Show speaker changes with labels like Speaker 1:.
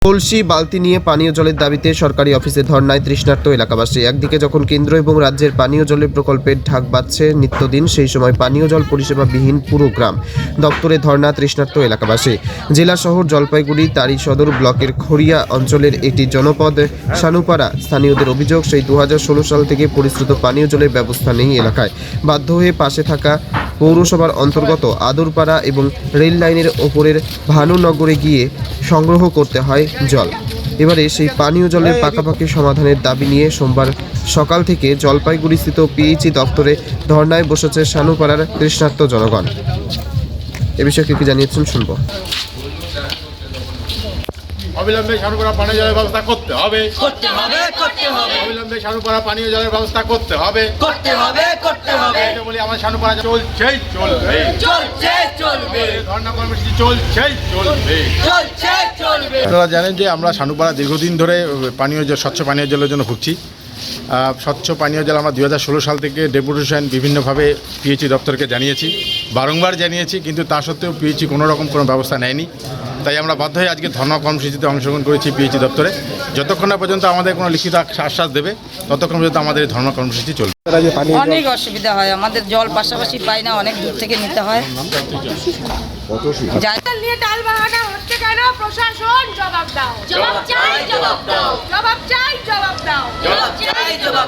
Speaker 1: কলসি বালতি নিয়ে পানীয় জলের দাবিতে সরকারি অফিসে ধর্নায় তৃষ্ণার্ত এলাকাবাসী। একদিকে যখন কেন্দ্র এবং রাজ্যের পানীয় জলের প্রকল্পের ঢাক বাজছে নিত্যদিন, সেই সময় পানীয় জল পরিষেবাবিহীন পুরো গ্রাম। দপ্তরে ধর্না তৃষ্ণার্ত এলাকাবাসী। জেলা শহর জলপাইগুড়ি তারি সদর ব্লকের খড়িয়া অঞ্চলের একটি জনপদ সানুপাড়া। স্থানীয়দের অভিযোগ, সেই 2016 সাল থেকে পরিশ্রুত পানীয় জলের ব্যবস্থা নেই এলাকায়। বাধ্য হয়ে পাশে থাকা পৌরসভার অন্তর্গত আদরপাড়া এবং রেল লাইনের ওপরের ভানুনগরে গিয়ে সংগ্রহ করতে হয় জল। এবারে সেই পানীয় জলের পাকাপাকি সমাধানের দাবি নিয়ে সোমবার সকাল থেকে জলপাইগুড়িস্থিত পিএইচই দপ্তরে ধর্নায় বসেছে সানুপাড়ার তৃষ্ণার্ত জনগণ। এ বিষয়ে কি জানিয়েছেন শুনবো।
Speaker 2: অবিলম্বে সানুপাড়া পানীয় জলের ব্যবস্থা করতে হবে। অবিলম্বে সানুপাড়া পানীয় জলের ব্যবস্থা করতে হবে। এটা বলি আমার সানুপাড়া চলছেই চলবে। ধর্ণা কর্মসূচি চলছেই চলবে। আপনারা জানেন যে আমরা সানুপাড়া দীর্ঘদিন ধরে পানীয় জল, স্বচ্ছ পানীয় জলের জন্য ভুগছি। স্বচ্ছ পানীয় জল আমরা 2016 সাল থেকে ডেপুটেশন বিভিন্নভাবে পিএইচই দপ্তরকে জানিয়েছি, বারংবার জানিয়েছি, কিন্তু তা সত্ত্বেও পিএইচই কোনো রকম কোনো ব্যবস্থা নেয়নি। তাই আমরা বাধ্য হয়ে আজকে ধর্ণা কর্মসূচিতে অংশগ্রহণ করেছি পিএইচই দপ্তরে। যতক্ষণ না পর্যন্ত আমাদের কোনো লিখিত আশ্বাস দেবে ততক্ষণ পর্যন্ত আমাদের এই ধর্ণা কর্মসূচি চলবে।
Speaker 3: অনেক অসুবিধা হয়, আমাদের জল পাশাপাশি পাই না, অনেক দূর থেকে নিতে হয়।
Speaker 4: নিয়ে টাল বাহানা হচ্ছে কেন? প্রশাসন জবাব দাও। জবাব চাই, জবাব দাও। জবাব চাই, জবাব দাও। জবাব চাই, জবাব